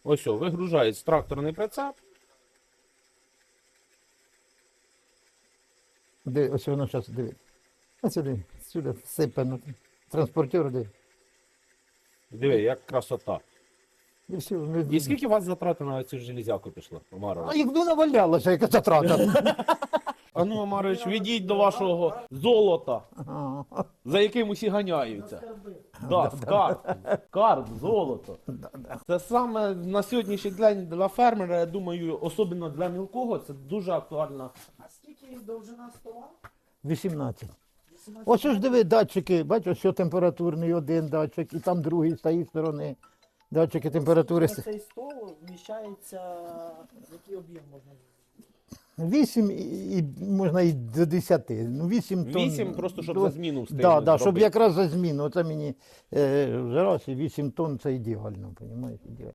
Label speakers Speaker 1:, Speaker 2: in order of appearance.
Speaker 1: Ось, вигружається тракторний прицеп.
Speaker 2: Де, ось воно зараз, диви. Ось сюди всипано. Транспортер, де.
Speaker 1: Диви, як красота.
Speaker 2: І все.
Speaker 1: І скільки у вас затрати на цю железяку пішло, Омарович?
Speaker 2: А їх ну навалялося, яка затрата.
Speaker 1: А ну, Омарович, відійдь до вашого золота,
Speaker 2: Ага.
Speaker 1: за яким усі ганяються. Да, скарб. Скарб, золото. Це саме на сьогоднішній день для фермера, я думаю, особливо для мілкого, це дуже актуально.
Speaker 3: А скільки довжина стола?
Speaker 2: 18. Ось ж диви, датчики, бачиш, що температурний один датчик, і там другий з тієї сторони. Датчики температури.
Speaker 3: На цей стол вміщається, який об'єм можна?
Speaker 2: 8 і можна і до 10. Ну, 8 тонн.
Speaker 1: 8 просто, щоб
Speaker 2: Ну,
Speaker 1: за зміну встигнути
Speaker 2: да, да, щоб
Speaker 1: зробити.
Speaker 2: якраз за зміну. Оце мені вже раз і 8 тонн це ідеально, розумієш? Ідеально.